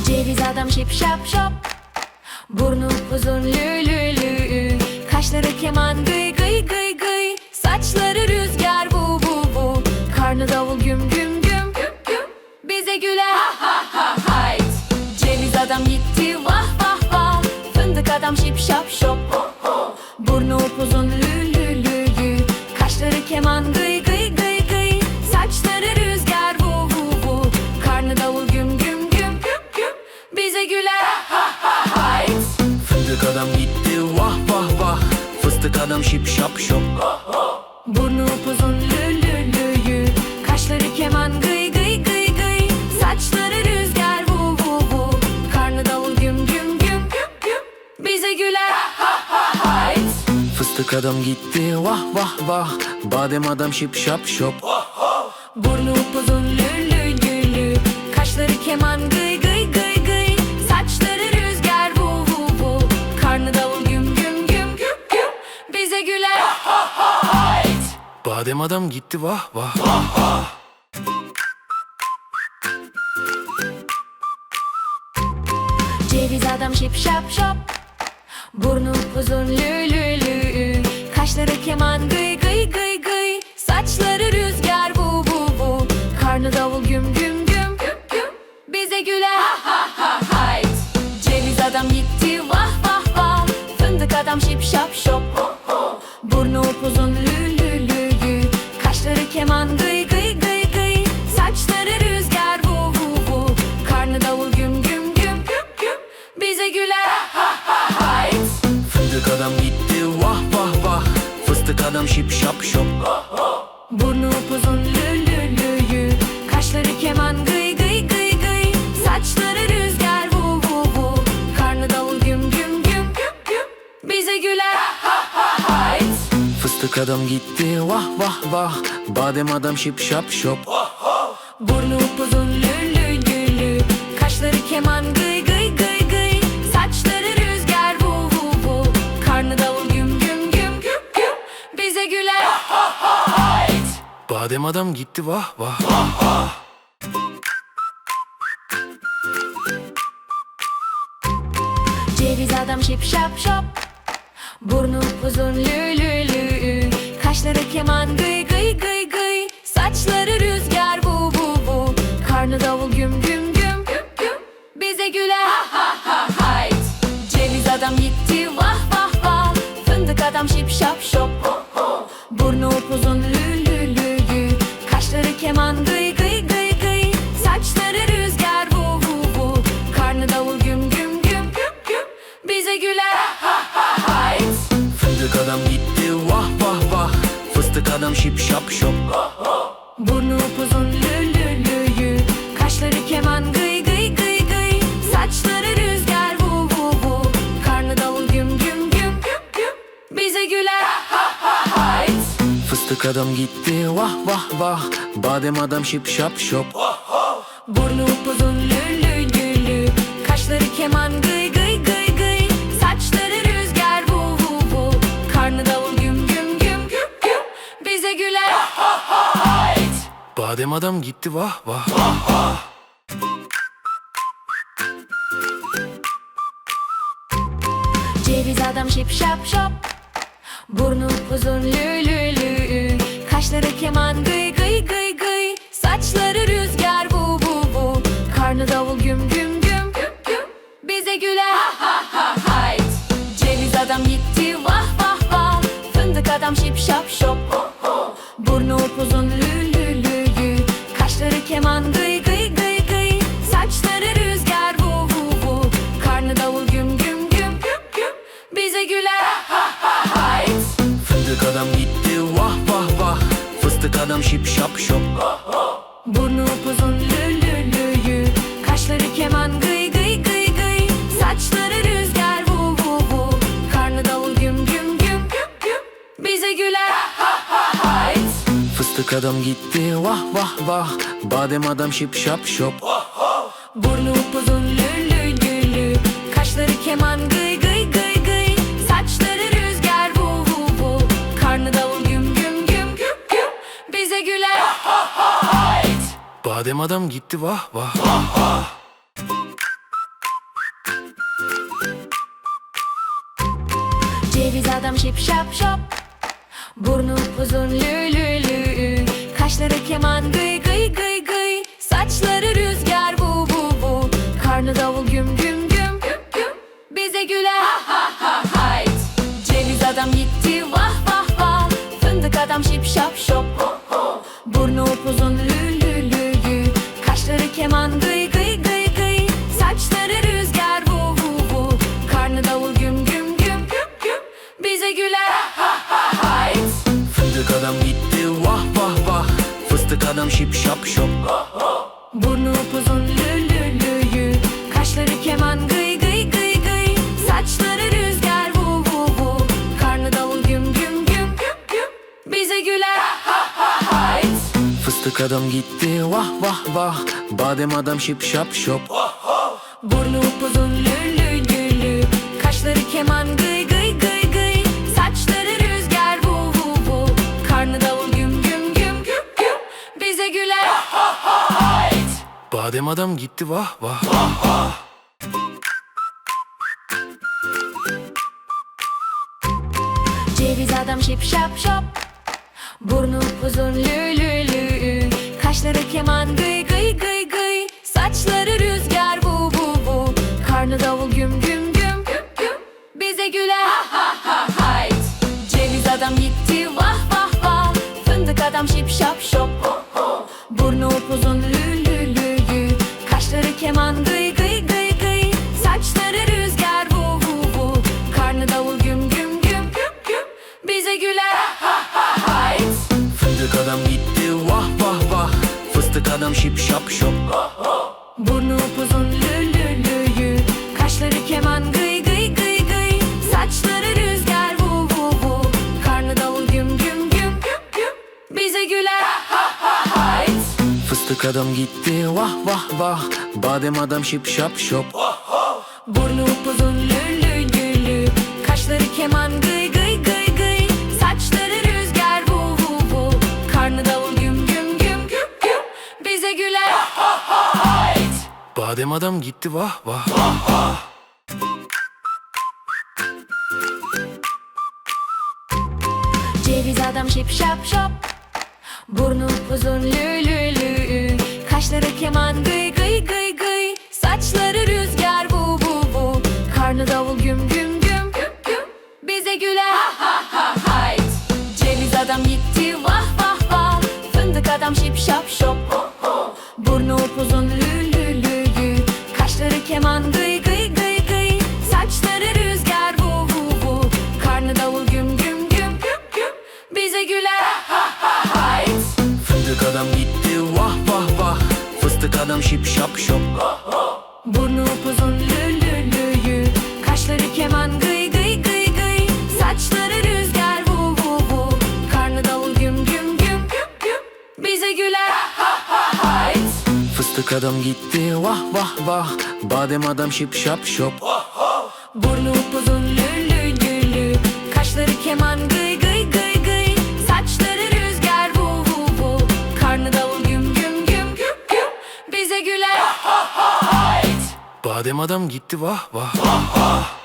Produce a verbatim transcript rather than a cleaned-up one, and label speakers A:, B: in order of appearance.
A: Ceviz adam şip şap şop, burnu uzun lü lü lü, kaşları keman gıy gıy gıy gıy, saçları rüzgar bu bu bu, karnı davul güm güm güm güm güm, bize güler ha ha ha hayt. Ceviz adam gitti vah vah vah, fındık adam şip şap şop, burnu upuzun lü lü lü lü, kaşları keman gıy gıy gıy gıy, saçları rüzgar bu bu bu, karnı davul güm güm güm güm güm, bize güler ha ha ha hayt.
B: Fındık adam gitti vah vah vah, fıstık adam şip şap şop,
A: burnu upuzun lü lü lü lü, kaşları keman gıy gıy gıy gıy, saçları rüzgar bu bu bu, karnı davul güm güm güm güm güm, bize güler ha ha hayt.
B: fıstık adam gitti vah vah vah, badem adam şip şap şop,
A: burnu upuzun lü lü lü lü, kaşları keman gıy gıy gıy gıy, saçları rüzgar bu bu bu, karnı davul güm güm güm güm güm, bize güler ha ha hayt.
B: badem adam gitti vah vah.
A: Ceviz adam şip şap şop, burnu uzun lü lü lü, kaşları keman gıy gıy gıy gıy, saçları rüzgar bu bu bu, karnı davul güm güm güm güm güm, bize güler ha ha ha hayt. Ceviz adam gitti vah vah vah, fındık adam şip şap şop, burnu upuzun lü lü lü lü, kaşları keman gıy gıy gıy gıy, saçları rüzgar bu bu bu, karnı davul güm güm güm güm güm, bize güler ha ha hayt.
B: Fındık adam gitti vah vah vah, fıstık adam şip şap şop,
A: burnu upuzun lü lü lü lü, kaşları keman gıy gıy gıy gıy, saçları rüzgar bu bu bu, karnı davul güm güm güm güm güm, bize güler ha ha hayt.
B: fıstık adam gitti vah vah vah, badem adam şip şap şop,
A: burnu upuzun lü lü lü lü, kaşları keman gıy gıy gıy gıy, saçları rüzgar bu bu bu, karnı davul güm güm güm güm güm, bize güler ha ha hayt.
B: badem adam gitti vah vah.
A: Ceviz adam şip şap şop, burnu uzun lü lü lü, kaşları keman gıy gıy gıy gıy, saçları rüzgar bu bu bu, karnı davul güm güm güm güm güm, bize güler ha ha ha hayt. Ceviz adam gitti vah vah vah, fındık adam şip şap şop, burnu upuzun lü lü lü lü, kaşları keman gıy gıy gıy gıy, saçları rüzgar bu bu bu, karnı davul güm güm güm güm güm, bize güler ha ha hayt.
B: Fındık adam gitti vah vah vah, fıstık adam şip şap şop,
A: burnu upuzun lü lü lü lü, kaşları keman gıy gıy gıy gıy, saçları rüzgar bu bu bu, karnı davul güm güm güm güm güm, bize güler ha ha hayt.
B: fıstık adam gitti vah vah vah, badem adam şip şap şop,
A: burnu upuzun lü lü lü lü, kaşları keman gıy gıy gıy gıy, saçları rüzgar bu bu bu, karnı davul güm güm güm güm güm, bize güler ha ha hayt.
B: badem adam gitti vah vah.
A: Ceviz adam şip şap şop, burnu uzun lü lü lü, kaşları keman gıy gıy gıy gıy, saçları rüzgar bu bu bu, karnı davul güm güm güm güm güm, bize güler ha ha ha hayt. Ceviz adam gitti vah vah vah, fındık adam şip şap şop, burnu upuzun lü lü lü lü, kaşları keman gıy gıy gıy gıy, saçları rüzgar bu bu bu, karnı davul güm güm güm güm güm, bize güler ha ha hayt.
B: Fındık adam gitti vah vah vah, fıstık adam şip şap şop,
A: burnu upuzun lü lü lü lü, kaşları keman gıy gıy gıy gıy, saçları rüzgar bu bu bu, karnı davul güm güm güm güm güm, bize güler ha ha hayt.
B: fıstık adam gitti vah vah vah, badem adam şip şap şop,
A: burnu upuzun lü lü lü lü, kaşları keman gıy gıy gıy gıy, saçları rüzgar bu bu bu, karnı davul güm güm güm güm güm, bize güler ha ha hayt.
B: badem adam gitti vah vah.
A: Ceviz adam şip şap şop, burnu uzun lü lü lü, kaşları keman gıy gıy gıy gıy, saçları rüzgar bu bu bu, karnı davul güm güm güm güm güm, bize güler ha ha ha hayt. Ceviz adam gitti vah vah vah, fındık adam şip şap şop, burnu upuzun lü lü lü lü, kaşları keman gıy gıy gıy gıy, saçları rüzgar bu bu bu, karnı davul güm güm güm güm güm, bize güler ha ha ha hayt.
B: Fındık adam gitti vah vah vah, fıstık adam şip şap şop,
A: Burnu upuzun lü lü lü lü, kaşları keman gıy gıy gıy gıy, saçları rüzgar vu vu vu, karnı davul güm güm güm güm güm, bize güler ha ha ha hayt.
B: fıstık adam gitti vah vah vah, badem adam şip şap şop,
A: Burnu upuzun lü lü lü lü, kaşları keman gıy gıy gıy gıy, saçları rüzgar vu vu vu, karnı davul güm güm güm güm güm, bize güler ha ha ha hayt.
B: badem adam gitti vah vah.
A: Ceviz adam şip şap şop, burnu uzun lü lü lü, kaşları keman gıy gıy gıy gıy, saçları rüzgar bu bu bu, karnı davul güm güm güm güm güm, bize güler ha ha ha hayt. Ceviz adam gitti vah vah vah, fındık adam şip şap şop, burnu upuzun lü lü lü lü, kaşları keman gıy gıy gıy gıy, saçları rüzgar vu vu vu, karnı davul güm güm güm güm güm, bize güler ha ha ha hayt.
B: Fındık adam gitti vah vah vah, fıstık adam şip şap şop,
A: Burnu upuzun lü lü lü lü, kaşları keman gıy gıy gıy gıy, saçları rüzgar vu vu vu, karnı davul güm güm güm güm güm, bize güler ha ha ha hayt.
B: fıstık adam gitti vah vah vah, badem adam şip şap şop,
A: Burnu upuzun lü lü lü lü, kaşları keman gıy gıy gıy gıy, saçları rüzgar vu vu vu, karnı davul güm güm güm güm güm, bize güler ha ha ha hayt.
B: badem adam gitti vah vah.
A: Ceviz adam şip şap şop, burnu uzun lü lü lü, kaşları keman gıy gıy gıy gıy, saçları rüzgar bu bu bu, karnı davul güm güm güm güm güm, bize güler ha ha ha hayt. Ceviz adam gitti vah vah vah, fındık adam şip şap şop, burnu upuzun lü lü lü lü, kaşları keman gıy gıy gıy gıy, saçları rüzgar vu vu vu, karnı davul güm güm güm güm güm, bize güler ha ha ha hayt.
B: Fındık adam gitti vah vah vah, fıstık adam şip şap şop,
A: Burnu upuzun lü lü lü lü, kaşları keman gıy gıy gıy gıy, saçları rüzgar vu vu vu, karnı davul güm güm güm güm güm, bize güler ha ha ha hayt.
B: fıstık adam gitti vah vah vah, badem adam şip şap şop,
A: Burnu upuzun lü lü lü lü, kaşları keman gıy gıy gıy gıy, saçları rüzgar vu vu vu, karnı davul güm güm güm güm güm, bize güler ha ha ha hayt.
B: badem adam gitti vah vah.